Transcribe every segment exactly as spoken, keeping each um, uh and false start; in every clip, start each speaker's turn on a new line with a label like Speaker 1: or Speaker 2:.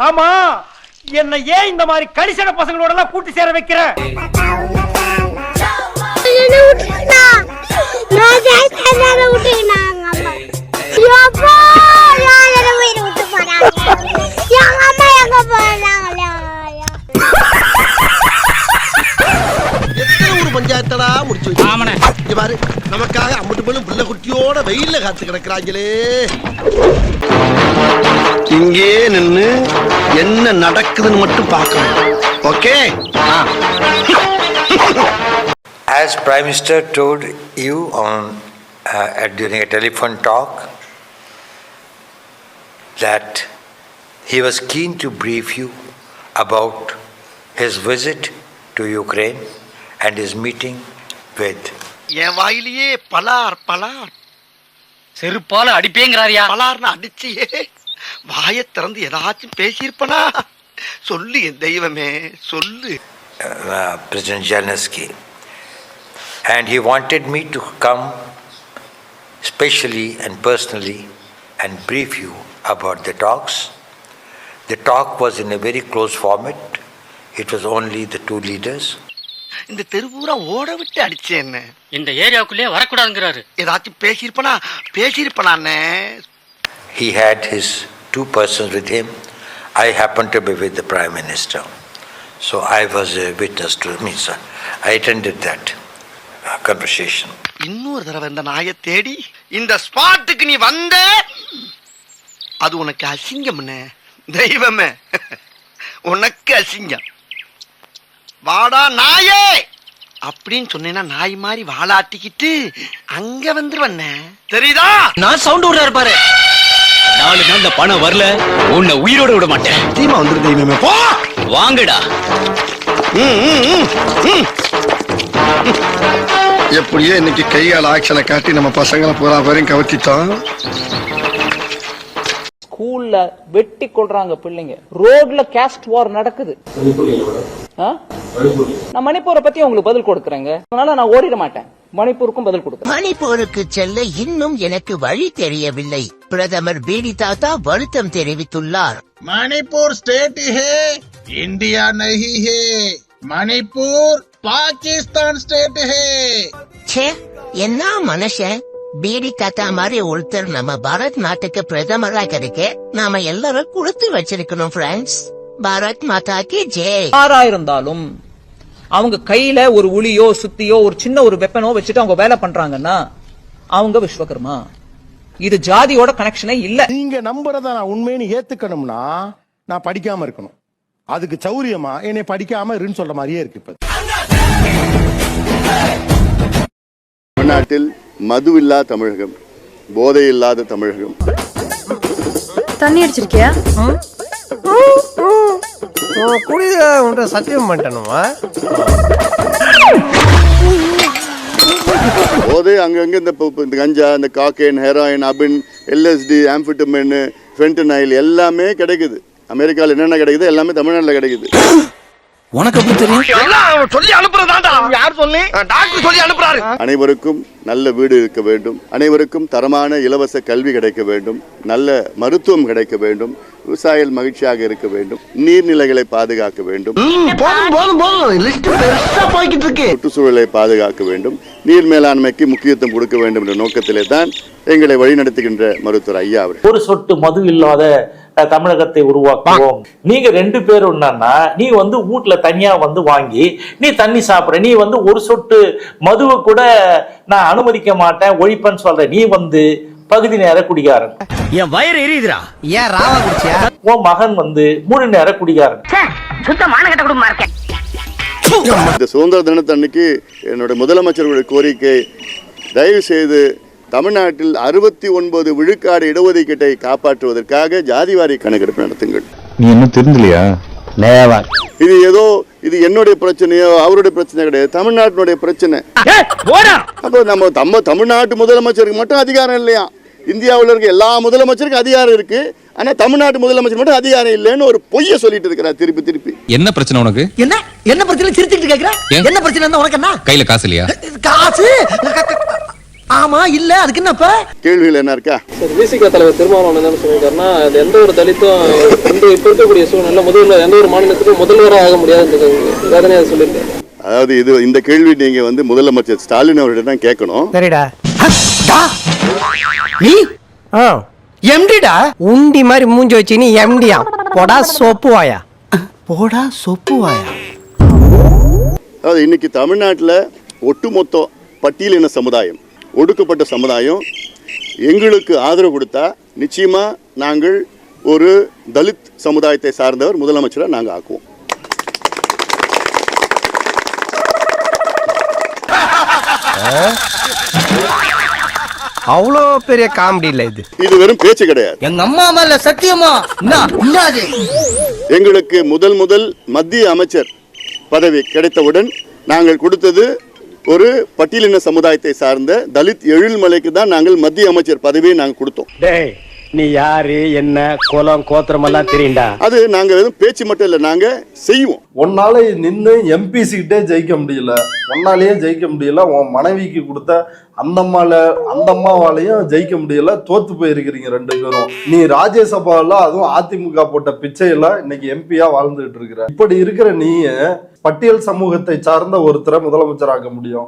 Speaker 1: ஆமா, என்ன ஏன் இந்த மாதிரி கடிசன பசங்களோட எல்லாம் கூட்டி சேர வைக்கிற?
Speaker 2: பஞ்சாயத்தடா முடிச்சு வச்சு பாரு, நமக்காக அம்பட்டு பெண்ணும் பிள்ளை குட்டியோட வெயில்ல காத்து கிடக்குறாங்களே. இங்கே நின்னு என்ன நடக்குதுன்னு மட்டும் பார்க்கணும். Okay.
Speaker 3: As Prime Minister told you on uh, during a telephone talk that he was keen to brief you about his visit to Ukraine and his meeting with
Speaker 2: என் வாயிலேயே பலார் பலார்
Speaker 1: செருப்பால அடிப்பேங்கிறாரியா?
Speaker 2: பலார்னு அடிச்சியே வாயை திறந்து ஏதாச்சும் பேசியிருப்பனா? சொல்லு என் தெய்வமே சொல்லு.
Speaker 3: uh, President Zelensky, and he wanted me to come specially and personally and brief you about the talks. The talk was in a very close format. It was only the two leaders.
Speaker 2: இந்த தெருவூரா ஓட விட்டு அடிச்சேன்.
Speaker 1: இந்த ஏரியாவுக்குள்ளே வரக்கூடாதுங்கிறாரு.
Speaker 2: ஏதாச்சும் பேசியிருப்பனா? பேசியிருப்பனானே.
Speaker 3: He had his two persons with him. I happened to be with the Prime Minister. So I was a witness to me, sir. I attended that uh, conversation.
Speaker 2: இன்னொரு தடவை இந்த நாயை தேடி இந்த ஸ்பாட்டுக்கு நீ வந்த, அது உனக்கு அசிங்கம்னே. தெய்வமே உனக்கு அசிங்கம். வாடா நாயே அப்படின்னு சொன்னேன்னா நாய் மாதிரி வாளாட்டிக்கிட்டு அங்க வந்துருவண்ண. தெரியுதா?
Speaker 1: நான் சவுண்ட் விடுறாரு பாரு. நாலு நாள்ல பணம் வரல, உன்னை உயிரோட விட மாட்டேன்.
Speaker 2: தீமா வந்துரு தெய்வமே. போ
Speaker 1: வாங்கடா.
Speaker 4: எப்படியோ இன்னைக்கு கையால் ஆக்ஷனை காட்டி நம்ம பசங்களை பூரா பேரையும் கவர்த்திட்டோம்.
Speaker 5: ஸ்கூல்ல வெட்டி கொள்றாங்க பிள்ளைங்க, ரோட்ல கேஸ்ட் வார் நடக்குது. நான் மணிப்பூரை பத்தி உங்களுக்கு பதில் கொடுக்கறேங்க, அதனால நான் ஓடிட மாட்டேன். மணிப்பூருக்கும் பதில் கொடுக்கிறேன்.
Speaker 6: மணிப்பூருக்கு செல்ல இன்னும் எனக்கு வழி தெரியவில்லை. பிரதமர் பீடி தாத்தா வருத்தம் தெரிவித்துள்ளார்.
Speaker 7: மணிப்பூர் ஸ்டேட் ஹே, இந்தியா நஹி ஹே. மணிப்பூர் பாகிஸ்தான் ஸ்டேட் ஹே.
Speaker 6: ச்சே, என்ன மனுஷன். பீடி தாத்தா மாதிரி ஒருத்தர் நம்ம பாரத் நாட்டுக்கு பிரதமராக இருக்க நாம எல்லாரும் கொடுத்து வச்சிருக்கணும் ஃப்ரெண்ட்ஸ். பாரத் மாதாக்கு ஜெய்.
Speaker 5: யாரா இருந்தாலும் அவங்க கையில ஒரு உளியோ சுத்தியோ ஒரு சின்ன ஒரு வெப்பனோ வச்சுட்டு அவங்க வேலை பண்றாங்கன்னா அவங்க விஸ்வகர்மா. இது ஜாதியோட கனெக்ஷனே இல்ல.
Speaker 8: நீங்க நம்புறத நான் உண்மைன்னு ஏத்துக்கணும்னா நான் படிக்காம இருக்கணும். அதுக்கு சௌரியமா என்னை படிக்காம இருன்னு சொல்ற மாதிரியே இருக்கு. இப்ப
Speaker 4: தமிழ்நாட்டில் மது இல்லா தமிழகம், போதை இல்லாத தமிழகம்.
Speaker 9: தண்ணி அடிச்சிருக்கியா?
Speaker 7: குடித சத்தியம் பண்ணிட்டனுமா?
Speaker 4: போதை அங்கங்க இந்த கஞ்சா, இந்த காக்கைன், ஹெராயின், அபின், எல்எஸ்டி, ஆம்பிட்டமின், ஃபென்டனைல் எல்லாமே கிடைக்குது. அமெரிக்காவில் என்னென்ன கிடைக்குது எல்லாமே தமிழ்நாட்டில் கிடைக்குது.
Speaker 2: உனக்கு எப்படி தெரியும்? சொல்லி அனுப்புறதாண்டா. யார் சொல்லி? டாக்டர் சொல்லி அனுப்புறாரு.
Speaker 4: அனைவருக்கும் நல்ல வீடு இருக்க வேண்டும், அனைவருக்கும் தரமான இலவச கல்வி கிடைக்க வேண்டும், நல்ல மருத்துவம் கிடைக்க வேண்டும், விவசாயிகள் மகிழ்ச்சியாக இருக்க வேண்டும், நீர்நிலைகளை பாதுகாக்க வேண்டும், சுற்றுச்சூழலை பாதுகாக்க வேண்டும், நீர் மேலாண்மைக்கு முக்கியத்துவம் கொடுக்க வேண்டும் என்ற நோக்கத்திலே தான் எங்களை வழிநடத்துகின்ற மருத்துவர் ஐயா அவர்.
Speaker 10: ஒரு சொட்டு மது இல்லாத தமிழகத்தை உருவாக்குவோம். நீங்க ரெண்டு பேரும் என்னன்னா, நீ வந்து வீட்டுல தனியா வந்து வாங்கி நீ தண்ணி சாப்பிடுற, நீ வந்து ஒரு சொட்டு மதுவை கூட நான் அனுமதிக்க மாட்டேன், ஒழிப்பேன்னு சொல்ற. நீ வந்து பகுதி நேர குடிகாரன்.
Speaker 1: என் வயிறு எரியுதுடா. ஏன் ராவா குடிச்சியா?
Speaker 10: உன் மகன் வந்து முழு நேர குடிகாரன்.
Speaker 9: சுத்தமான கட்ட குடும்பமா இருக்கேன்.
Speaker 4: இந்த சுதந்திர தினத்தன்னைக்கு என்னுடைய முதலமைச்சர்களுடைய கோரிக்கை, தயவு செய்து தமிழ்நாட்டில் அறுபத்தி ஒன்பது விழுக்காடு இடஒதுக்கீட்டை காப்பாற்றுவதற்காக ஜாதிவாரி கணக்கெடுப்பு நடத்துங்கள்.
Speaker 11: நீ என்ன தெரிஞ்சலையா?
Speaker 4: இது ஏதோ இது என்னுடைய பிரச்சனையோ அவருடைய பிரச்சனை கிடையாது, தமிழ்நாட்டினுடைய பிரச்சனை. அப்போ நம்ம நம்ம தமிழ்நாட்டு முதலமைச்சருக்கு மட்டும் அதிகாரம் இல்லையா? இந்தியாவில் இருக்க எல்லா முதலமைச்சருக்கும் அதிகாரம் இருக்கு, ஆனா தமிழ்நாட்டு முதலமைச்சர் மட்டும் அதிகாரம் இல்லைன்னு ஒரு பொய்ய சொல்லிட்டு இருக்கிறார் திருப்பி திருப்பி.
Speaker 11: என்ன பிரச்சனை உனக்கு?
Speaker 2: என்ன என்ன பிரச்சனை? சிரிச்சுட்டு கேக்குற? என்ன பிரச்சனை? உனக்கு என்ன?
Speaker 11: கையில காசு இல்லையா?
Speaker 2: காசு ஆமா இல்ல அதுக்கு என்னப்ப
Speaker 4: கேள்விகள் என்ன இருக்கா?
Speaker 12: விசிக தலைவர் திருமாவளவன் என்ன சொல்லியிருக்காருன்னா, அது எந்த ஒரு தலித்தும் இந்த இப்ப இருக்கக்கூடிய சூழ்நிலை முதல்ல எந்த ஒரு மாநிலத்துக்கும் முதல்வராக ஆக முடியாது வேதனையா சொல்லியிருக்காரு.
Speaker 4: அதாவது இது இந்த கேள்வி நீங்க வந்து முதலமைச்சர் ஸ்டாலின் அவர்கிட்ட தான் கேட்கணும்.
Speaker 7: சரிடா.
Speaker 2: நீ எம்டிடா
Speaker 7: உண்டி மாதிரி மூஞ்சி வச்சு நீ எம்டியா போடா சோப்பு வாயா.
Speaker 2: போடா சொப்பு வாயா.
Speaker 4: அதாவது இன்னைக்கு தமிழ்நாட்டில் ஒட்டுமொத்த பட்டியலின சமுதாயம், ஒடுக்கப்பட்ட சமுதாயம் எங்களுக்கு ஆதரவு கொடுத்தா நிச்சயமா நாங்கள் ஒரு தலித் சமுதாயத்தை சார்ந்தவர் முதலமைச்சரை நாங்கள் ஆக்குவோம்.
Speaker 7: அவ்வளோ பெரிய காமெடி இல்ல இது.
Speaker 4: இது வெறும் பேச்சு கிடையாது.
Speaker 2: எங்க அம்மா மேல சத்தியமா
Speaker 4: எங்களுக்கு முதல் முதல் மத்திய அமைச்சர் பதவி கிடைத்தவுடன் நாங்கள் கொடுத்தது ஒரு பட்டியலின சமுதாயத்தை சார்ந்த தலித் எழில்மலைக்கு தான் நாங்கள் மத்திய அமைச்சர் பதவியை நாங்கள் கொடுத்தோம்.
Speaker 7: நீ யாரு என்ன கோலம் கோத்திரம் எல்லாம் தெரியுண்டா.
Speaker 4: அது நாங்க வெறும் பேச்சு மட்டும் இல்ல, நாங்க செய்வோம்.
Speaker 13: ஒன்னால நின்று எம்பிசி கிட்டே ஜெயிக்க முடியல, ஒன்னாலேயே ஜெயிக்க முடியல. உன் மனைவிக்கு கொடுத்த அந்த அம்மால அந்த அம்மாவாலையும் ஜெயிக்க முடியல, தோத்து போயிருக்கிறீங்க ரெண்டு பேரும். நீ ராஜ்யசபால அதுவும் அதிமுக போட்ட பிச்சையெல்லாம் இன்னைக்கு எம்பியா வாழ்ந்துட்டு இருக்கிற. இப்படி இருக்கிற நீ பட்டியல் சமூகத்தை சார்ந்த ஒருத்தரை முதலமைச்சராக்க முடியும்?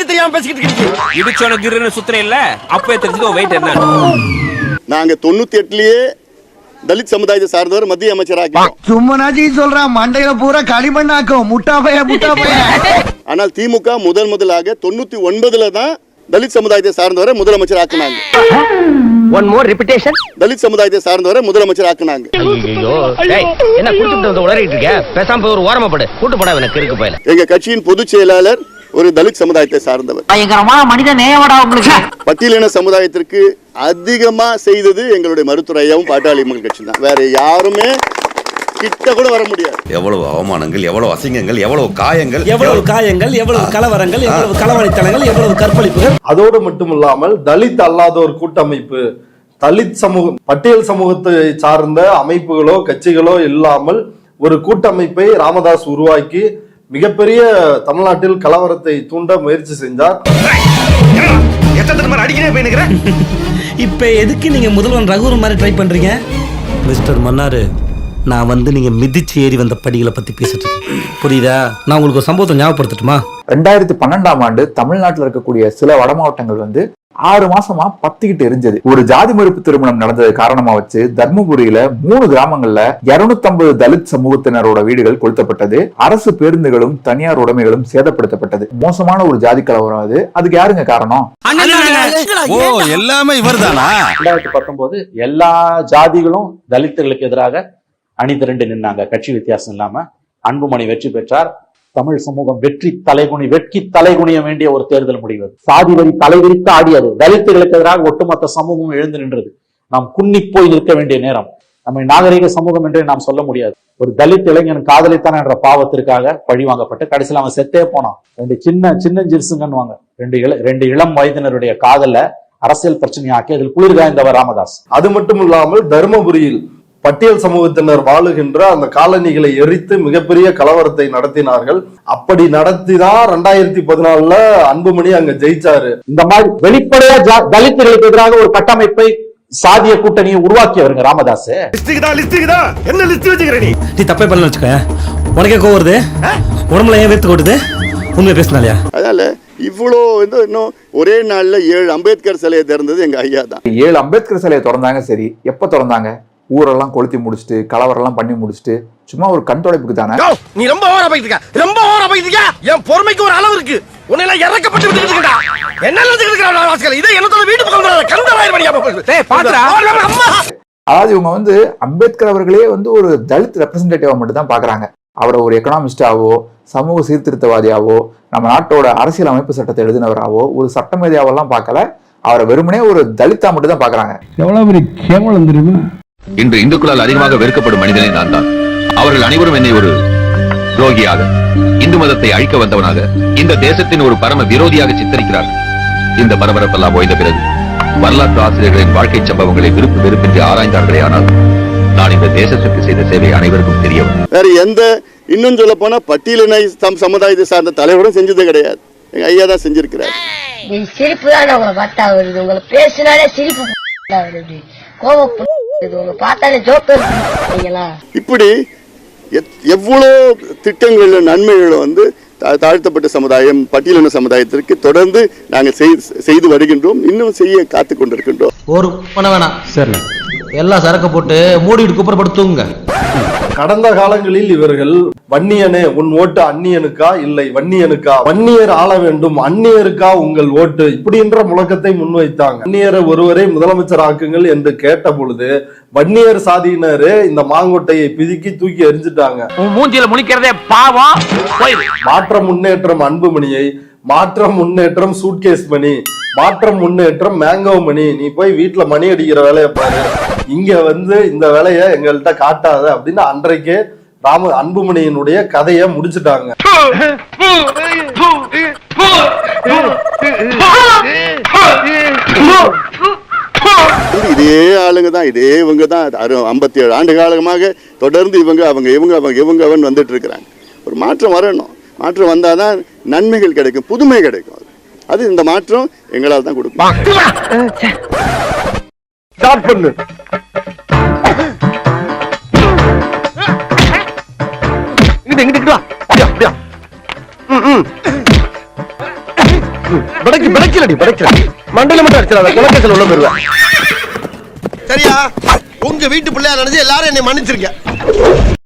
Speaker 1: சுத்தம் இல்ல அப்பவே தெரிஞ்சுக்கோ வெயிட் என்ன.
Speaker 4: நாங்க தொண்ணூத்தி எட்டுலயே தலித் சமுதாயத்தை சார்ந்தவர் மத்திய அமைச்சராக.
Speaker 2: சும்மனாஜி சொல்றான் மண்டையில பூரா களிமண்ணாக்கும் முட்டாப்பைய முட்டாப்பைய.
Speaker 4: ஆனால் திமுக முதல் முதலாக தொண்ணூத்தி ஒன்பதுல தான் தலித் சமுதாயத்தை சார்ந்தவரை முதலமைச்சர் ஆக்குனாங்க.
Speaker 7: One more repetition.
Speaker 4: தலித் சமுதாயத்தை சார்ந்தவரை முதலமைச்சர் ஆக்குனாங்க.
Speaker 7: ஐயோ டேய் என்ன குடிச்சிட்டு வந்து உளறிட்டு இருக்க? பேசாம போய் ஒரு ஓரமா படு. கூட்டு போடா எனக்கு இருக்கு போயில.
Speaker 4: எங்க கட்சியின் பொதுச் செயலாளர் ஒரு தலித் சமுதாயத்தை சார்ந்தவர்.
Speaker 2: பயங்கரமான மனித நேயவடா உங்களுக்கு.
Speaker 4: பட்டியலின சமுதாயத்திற்கு அதிகமா செய்தது எங்களுடைய மருத்துவர் ஐயாவும் பாட்டாளி மக்கள் கட்சி தான். வேற யாருமே கிட்ட கூட வர முடியாது.
Speaker 14: எவ்வளவு அவமானங்கள், எவ்வளவு அசிங்கங்கள், எவ்வளவு காயங்கள்,
Speaker 7: எவ்வளவு காயங்கள், எவ்வளவு கலவரங்கள், எவ்வளவு களவாணித்தனங்கள், எவ்வளவு கற்பழிப்புகள்.
Speaker 13: அதோடு மட்டுமில்லாமல் தலித் அல்லாத ஒரு கூட்டமைப்பு, தலித் சமூகம் பட்டியல் சமூகத்தை சார்ந்த அமைப்புகளோ கட்சிகளோ இல்லாமல் ஒரு கூட்டமைப்பை ராமதாஸ் உருவாக்கி மிகப்பெரிய தமிழ்நாட்டில் கலவரத்தை தூண்ட முயற்சி செஞ்சார்.
Speaker 7: இப்ப எதுக்கு நீங்க முதல்வன் ரகுவரன் மாதிரி ட்ரை பண்றீங்க? மிஸ்டர் மன்னாரு, நான் வந்து நீங்க மிதிச்சு ஏறி வந்த படிகளை பத்தி பேசிட்டு இருக்கேன், புரியுதா? நான் உங்களுக்கு ஒரு சம்பவத்தை ஞாபகப்படுத்தட்டுமா?
Speaker 11: ரெண்டாயிரத்தி பன்னெண்டாம் ஆண்டு தமிழ்நாட்டில் இருக்கக்கூடிய சில வட மாவட்டங்கள் வந்து ஆறு மாசமா பத்திக்கிட்டு எரிஞ்சது. ஒரு ஜாதி மறுப்பு திருமணம் நடந்தது காரணமா வச்சு தர்மபுரியில மூணு கிராமங்கள்ல இருநூத்தி ஐம்பது தலித் சமூகத்தினரோட வீடுகள் கொளுத்தப்பட்டது. அரசு பேருந்துகளும் தனியார் உடைமைகளும் சேதப்படுத்தப்பட்டது. மோசமான ஒரு ஜாதி கலவரம் அது. அதுக்கு யாருங்க காரணம்?
Speaker 14: எல்லாமே இவர்தானா?
Speaker 10: ரெண்டாயிரத்தி பத்தொன்பது எல்லா ஜாதிகளும் தலித்துகளுக்கு எதிராக அணி திரண்டு நின்னாங்க. கட்சி வித்தியாசம் இல்லாம அன்புமணி வெற்றி பெற்றார். தமிழ் சமூகம் வெற்றி தலைகுனி வெட்கி தலைகுனிய வேண்டிய ஒரு தேர்தல் முடிவு. சாதி வரி தலைவிரித்து ஆடியது. தலித்துகளுக்கு எதிராக ஒட்டுமொத்த சமூகம் எழுந்து நின்றது. நாம் குன்னி போய் நிற்க வேண்டிய நேரம். நம்மை நாகரிக சமூகம் என்றே நாம் சொல்ல முடியாது. ஒரு தலித் இளைஞன் காதலித்தான் என்ற பாவத்திற்காக பழி வாங்கப்பட்டு கடைசியில் அவன் செத்தே போனான். ரெண்டு சின்ன சின்ன ஜிர்சுங்கன்னு ரெண்டு இள ரெண்டு இளம் வயதினருடைய காதல அரசியல் பிரச்சனையாக்கி அதில் குளிர்காய்ந்தவர் ராமதாஸ்.
Speaker 13: அது மட்டும் இல்லாமல் தருமபுரியில் பட்டியல் சமூகத்தினர் வாழுகின்ற அந்த காலனிகளை எரித்து மிகப்பெரிய கலவரத்தை நடத்தினார்கள். அப்படி நடத்திதான் ரெண்டாயிரத்தி பதினாலுல அன்புமணி அங்க ஜெயிச்சாரு.
Speaker 10: இந்த மாதிரி வெளிப்படையா தலித்துகளுக்கு எதிராக ஒரு கட்டமைப்பை சாதிய கூட்டணியை உருவாக்கியவருங்க ராமதாஸ்.
Speaker 7: என்ன லிஸ்ட் வச்சுக்கிற நீ? நீ தப்பே பண்ணல வச்சுக்க. உனக்கே கோவம் வருது, உடம்புல ஏன் வேர்த்து கொட்டுது? உண்மையை பேசினாலியா?
Speaker 4: அதனால இவ்வளோ வந்து இன்னும் ஒரே நாள்ல ஏழு அம்பேத்கர் சிலையை திறந்தது எங்க ஐயா தான்.
Speaker 11: ஏழு அம்பேத்கர் சிலையை திறந்தாங்க. சரி, எப்ப திறந்தாங்க? ஊரெல்லாம் கொளுத்தி முடிச்சுட்டு கலவரம் எல்லாம் பண்ணி முடிச்சுட்டு சும்மா ஒரு கண் தொடைப்புக்கு தானே.
Speaker 2: நீ ரொம்ப ஓவரா போயிட்டு இருக்க, ரொம்ப ஓவரா போயிட்டு இருக்க. என் பொறுமைக்கு ஒரு அளவு இருக்கு. உன்னை எல்லாம் இறக்கப்பட்டு விட்டுட்டு இருக்கடா. என்ன நினைச்சிட்டு இருக்கடா வாஸ்கல்? இதை என்னத்தோட வீட்டு பக்கம் வர கந்தராயர் மணியா போகுது. டேய் பாத்துடா.
Speaker 11: அதாவது இவங்க வந்து அம்பேத்கர் அவர்களே வந்து ஒரு தலித் ரெப்ரசன்டேட்டிவா மட்டும் தான் பாக்குறாங்க. அவரை ஒரு எக்கனாமிஸ்டாவோ சமூக சீர்திருத்தவாதியாவோ நம்ம நாட்டோட அரசியல் அமைப்பு சட்டத்தை எழுதினவராவோ ஒரு சட்டமேதையாவெல்லாம் பார்க்கல. அவரை வெறுமனே ஒரு தலித்தா மட்டும் தான் பாக்குறாங்க.
Speaker 14: எவ்வளவு பெரிய கேவலம் தெரியுமா? இன்று இந்துக்களால் அதிகமாக வெறுக்கப்படும் மனிதனே நான் தான். அவர்கள் அனைவரும் என்னை ஒரு துரோகியாக, இந்து மதத்தை அழிக்க வந்தவனாக, இந்த தேசத்தின் ஒரு பரம விரோதியாக சித்தரிக்கிறார்கள். இந்த பரபரப்பெல்லாம் ஓய்ந்த பிறகு வரலாற்று ஆசிரியர்களின் வாழ்க்கை சம்பவங்களை விருப்பு வெறுப்பின்றி ஆராய்ந்தார்களே ஆனால் நான் இந்த தேசத்திற்கு செய்த சேவை அனைவருக்கும் தெரியவும்.
Speaker 4: வேற எந்த இன்னும் சொல்ல போனா பட்டியலின சமுதாயத்தை சார்ந்த தலைவரும் செஞ்சது கிடையாது. எங்க ஐயா தான் செஞ்சிருக்கிறார்.
Speaker 9: சிரிப்பு தான் உங்களை பார்த்தா வருது, உங்களை பேசினாலே சிரிப்பு வருது, கோபம் உங்களை பார்த்தாலே ஜோக்கர்.
Speaker 4: இப்படி எவ்வளோ திட்டங்கள் நன்மைகள் வந்து தாழ்த்தப்பட்ட சமுதாயம் பட்டியலின சமுதாயத்திற்கு தொடர்ந்து நாங்கள் செய்து வருகின்றோம், இன்னும் செய்ய காத்து கொண்டிருக்கின்றோம்.
Speaker 7: ஒரு பண்ண வேணாம் சரி, எல்லாம் சரக்கு போட்டு மூடிட்டு குப்பரப்படுத்துங்க.
Speaker 13: கடந்த காலங்களில் இவர்கள் வன்னியனே உன் ஓட்டு அந்நியனுக்கா இல்லை வன்னியனுக்கா, வன்னியர் ஆள வேண்டும் அந்நியருக்கா உங்கள் ஓட்டு, இப்படின்ற முழக்கத்தை முன்வைத்தாங்க. வன்னியரை ஒருவரை முதலமைச்சர் ஆக்குங்கள் என்று கேட்ட பொழுது வன்னியர் சாதியினரு இந்த மாங்கொட்டையை பிதுக்கி தூக்கி எரிஞ்சிட்டாங்க.
Speaker 1: மூஞ்சில முழிக்கிறதே பாவம்.
Speaker 13: மாற்ற முன்னேற்றம் அன்புமணியை, மாற்ற முன்னேற்றம் சூட்கேஸ் மணி, மாற்றம் முன்னேற்றம் மேங்கோ மணி, நீ போய் வீட்டுல மணி அடிக்கிற வேலையை பாரு, இங்க வந்து இந்த வேலையை எங்கள்கிட்ட காட்டாத அப்படின்னு அன்றைக்கே ராம அன்புமணியினுடைய கதையை முடிச்சுட்டாங்க.
Speaker 4: இதே ஆளுங்க தான், இதே இவங்க தான் ஐம்பத்தி ஏழு ஆண்டு காலமாக தொடர்ந்து இவங்க அவங்க இவங்க அவங்க இவங்க அவன் வந்துட்டு இருக்கிறாங்க. ஒரு மாற்றம் வரணும், மாற்றம் வந்தாதான் நன்மைகள் கிடைக்கும், புதுமை கிடைக்கும். அது இந்த மாற்றம் எங்களால் தான் கொடுக்கும்.
Speaker 2: மண்டல மட்டும் அடிச்சிடாத, குலக்கத்தில் உள்ள போயிருவேன். சரியா? உங்க வீட்டு பிள்ளையா நினைச்சு எல்லாரும் என்னை மன்னிச்சிருக்க.